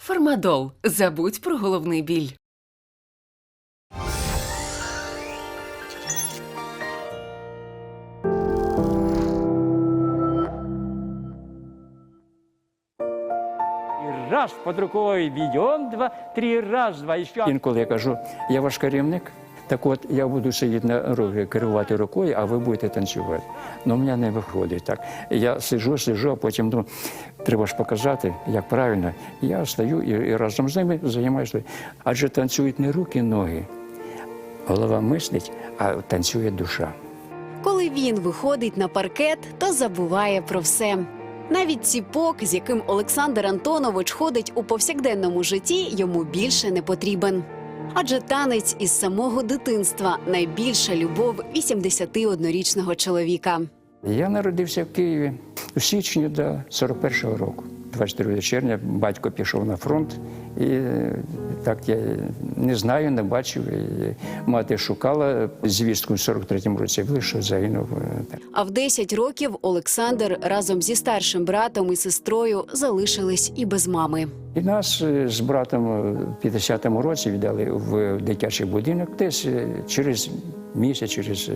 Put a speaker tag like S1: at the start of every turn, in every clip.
S1: Фармадол. Забудь про головний біль.
S2: Раз під рукою бідьом, два, три, раз, два, і ще. Інколи я кажу, я ваш керівник, так от я буду сидіти на рові, керувати рукою, а ви будете танцювати. Ну, в мене не виходить так. Я сиджу, а потім думаю, треба ж показати, як правильно. Я стою і разом з ними займаюся. Адже танцюють не руки, ноги. Голова мислить, а танцює душа.
S3: Коли він виходить на паркет, то забуває про все. Навіть ціпок, з яким Олександр Антонович ходить у повсякденному житті, йому більше не потрібен. Адже танець із самого дитинства – найбільша любов 81-річного чоловіка.
S2: Я народився в Києві у січні до 41-го року. 22 червня батько пішов на фронт, і так я не знаю, не бачив. І мати шукала звістку в 43-му році, що загинув.
S3: А в 10 років Олександр разом зі старшим братом і сестрою залишились і без мами.
S2: І нас з братом в 50-му році віддали в дитячий будинок. Десь через місяць,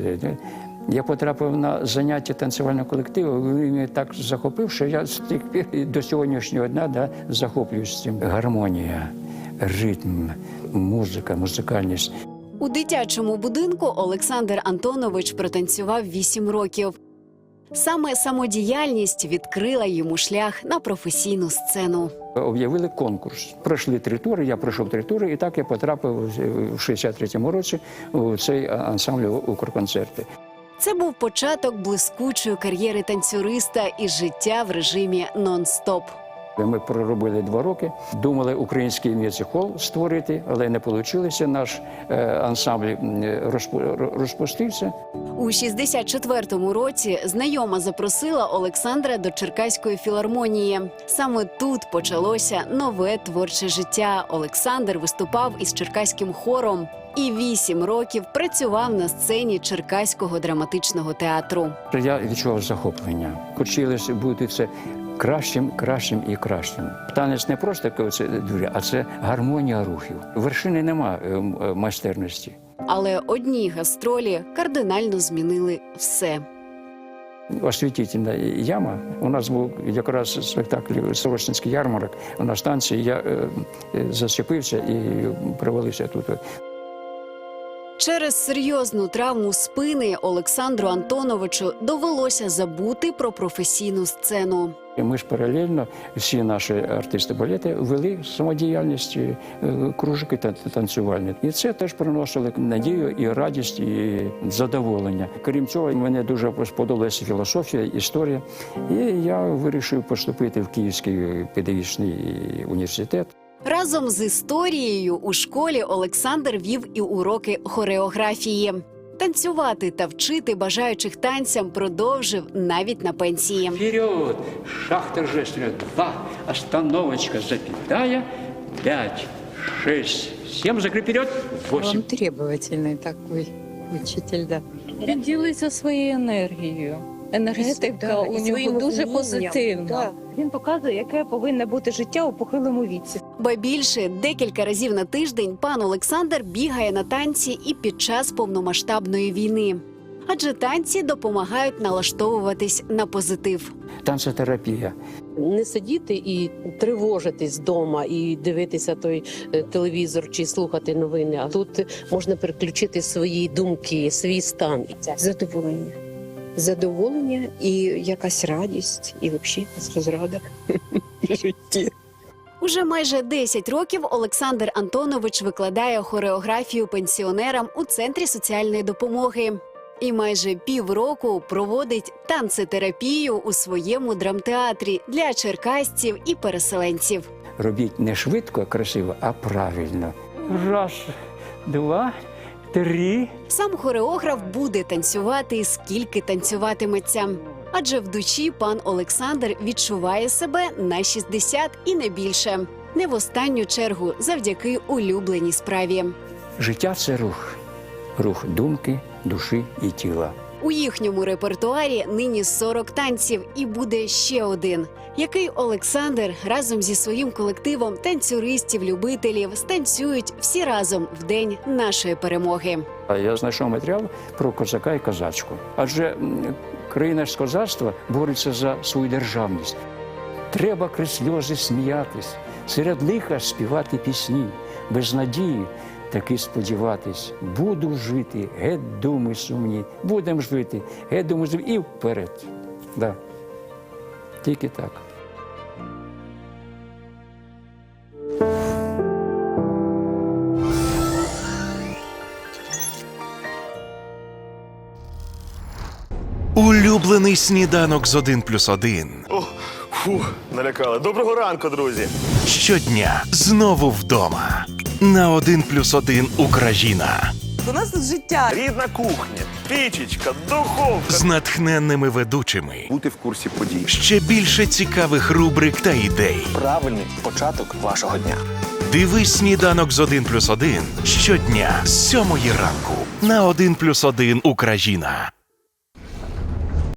S2: я потрапив на заняття танцювального колективу, він мене так захопив, що я з тих пір до сьогоднішнього дня захоплююсь цим. Гармонія, ритм, музика, музикальність.
S3: У дитячому будинку Олександр Антонович протанцював 8 років. Саме самодіяльність відкрила йому шлях на професійну сцену.
S2: Об'явили конкурс. Пройшли 3 тури, я пройшов 3 тури, і так я потрапив в 63-му році у цей ансамбль «Укрконцерти».
S3: Це був початок блискучої кар'єри танцюриста і життя в режимі нон-стоп.
S2: Ми проробили 2 роки, думали український мюзик-хол створити, але не вийшло. Наш ансамбль розпустився.
S3: У 64-му році знайома запросила Олександра до Черкаської філармонії. Саме тут почалося нове творче життя. Олександр виступав із черкаським хором і 8 років працював на сцені Черкаського драматичного театру.
S2: Я відчував захоплення. Хотілося бути все кращим, кращим і кращим. Танець не просто дуже, а це гармонія рухів. Вершини нема майстерності.
S3: Але одні гастролі кардинально змінили все.
S2: Освітительна яма. У нас був якраз спектакль «Сорочинський ярмарок». У нас танці, я зачепився і провалився тут.
S3: Через серйозну травму спини Олександру Антоновичу довелося забути про професійну сцену.
S2: Ми ж паралельно, всі наші артисти балету вели самодіяльність, кружки танцювальні. І це теж приносило надію і радість, і задоволення. Крім цього, мені дуже сподобалася філософія, історія. І я вирішив поступити в Київський педагогічний університет.
S3: Разом з історією у школі Олександр вів і уроки хореографії. Танцювати та вчити бажаючих танцям продовжив навіть на пенсії.
S2: Вперед! Шаг торжественный. 2. Остановочка. Запятая. 5, 6, 7. Закрыть вперед. 8.
S4: Он требовательный такой учитель, да.
S5: Він ділиться своєю енергією. Енергетика у нього дуже позитивна.
S6: Да. Він показує, яке повинно бути життя у похилому віці.
S3: Ба більше, декілька разів на тиждень пан Олександр бігає на танці і під час повномасштабної війни. Адже танці допомагають налаштовуватись на позитив.
S2: Танцетерапія.
S7: Не сидіти і тривожитись вдома, і дивитися той телевізор чи слухати новини. А тут можна переключити свої думки, свій стан.
S6: Задоволення. Задоволення і якась радість, і взагалі розрада в житті.
S3: Уже майже 10 років Олександр Антонович викладає хореографію пенсіонерам у Центрі соціальної допомоги. І майже півроку проводить танцетерапію у своєму драмтеатрі для черкасців і переселенців.
S2: Робіть не швидко, красиво, а правильно. 1, 2, 3.
S3: Сам хореограф буде танцювати, скільки танцюватиметься. Адже в душі пан Олександр відчуває себе на 60 і не більше. Не в останню чергу завдяки улюбленій справі.
S2: Життя – це рух. Рух думки, душі і тіла.
S3: У їхньому репертуарі нині 40 танців і буде ще один, який Олександр разом зі своїм колективом танцюристів-любителів станцюють всі разом в день нашої перемоги.
S2: А я знайшов матеріал про козака і козачку. Адже країна з козацтва бореться за свою державність. Треба крізь сльози сміятись, серед лиха співати пісні, без надії таки сподіватись. Буду жити, геть думи сумні, будем жити, геть думи сумні і вперед. Да. Тільки так.
S8: Улюблений сніданок з 1+1.
S9: О, фух, налякали. Доброго ранку, друзі.
S8: Щодня знову вдома. На 1+1 Україна.
S10: У нас тут життя.
S9: Рідна кухня, пічечка, духовка.
S8: З натхненними ведучими.
S9: Бути в курсі подій.
S8: Ще більше цікавих рубрик та ідей.
S11: Правильний початок вашого дня.
S8: Дивись сніданок з 1+1 щодня з 7 ранку на 1+1 Україна.